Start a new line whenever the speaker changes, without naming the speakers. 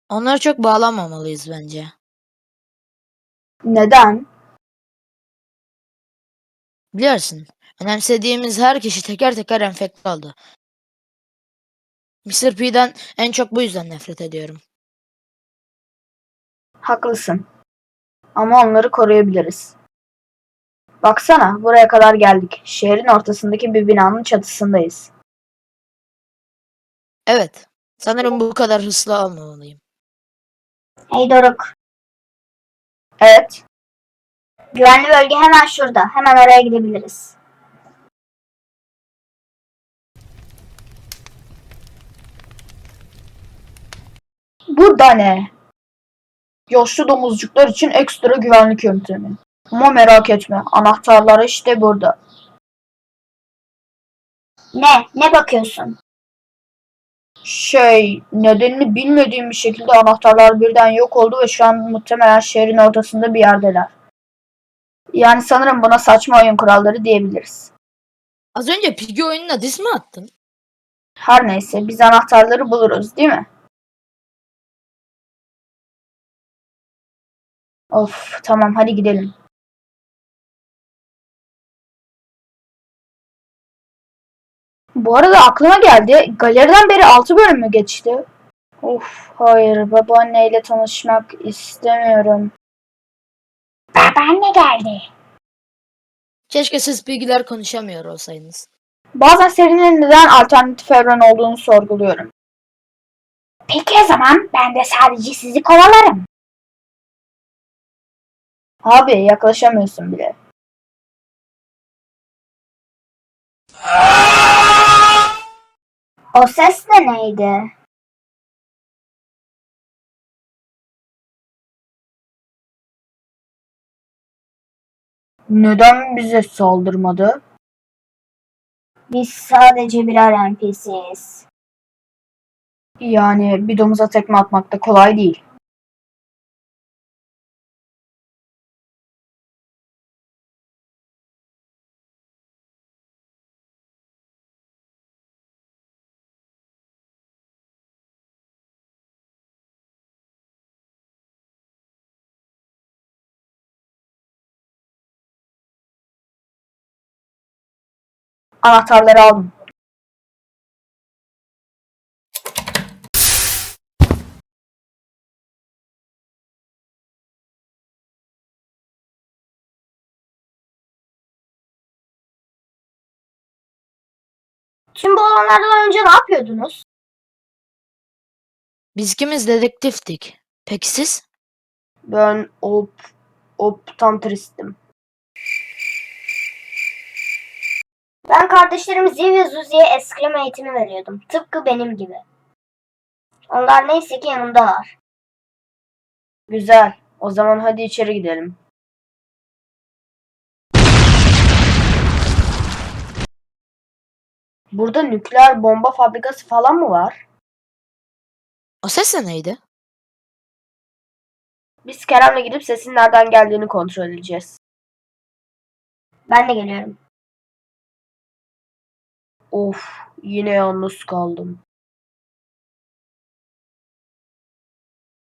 Onlara çok bağlanmamalıyız bence.
Neden?
Biliyorsun, önemsediğimiz her kişi teker teker enfekte oldu. Mr. P'den en çok bu yüzden nefret ediyorum.
Haklısın. Ama onları koruyabiliriz. Baksana, buraya kadar geldik. Şehrin ortasındaki bir binanın çatısındayız.
Evet, sanırım bu kadar hızlı olmamalıyım.
Hey Doruk,
Evet,
güvenli bölge hemen şurada. Hemen oraya gidebiliriz.
bu da ne? Yaşlı domuzcuklar için ekstra güvenlik yöntemi. Ama merak etme, anahtarlar işte burada.
Ne bakıyorsun?
Nedenini bilmediğim bir şekilde anahtarlar birden yok oldu ve şu an muhtemelen şehrin ortasında bir yerdeler. Yani sanırım buna saçma oyun kuralları diyebiliriz.
Az önce Piggy oyununa diss mi attın?
Her neyse, biz anahtarları buluruz, değil mi? Of, tamam hadi gidelim. Bu arada aklıma geldi. Galeriden beri 6 bölüm mü geçti? Of, hayır, babaanneyle tanışmak istemiyorum.
Babaanne geldi.
Keşke siz Piggy'ler konuşamıyor olsaydınız.
Bazen serinin neden alternatif evren olduğunu sorguluyorum.
Peki o zaman ben de sadece sizi kovalarım.
Abi yaklaşamıyorsun bile.
O ses de neydi?
Neden bize saldırmadı?
Biz sadece birer NPC'yiz.
Yani bir domuza tekme atmak da kolay değil. Anahtarları aldım.
Tüm bu olanlardan önce ne yapıyordunuz?
Biz ikimiz dedektiftik. Peki siz?
Ben optantristim.
Ben kardeşlerim Ziv ve Zuzi'ye eskrim eğitimi veriyordum. Tıpkı benim gibi. Onlar neyse ki yanımdalar.
Güzel. O zaman hadi içeri gidelim. Burada nükleer bomba fabrikası falan mı var?
O ses de neydi?
Biz Kerem'le gidip sesin nereden geldiğini kontrol edeceğiz.
Ben de geliyorum.
Of, yine yalnız kaldım.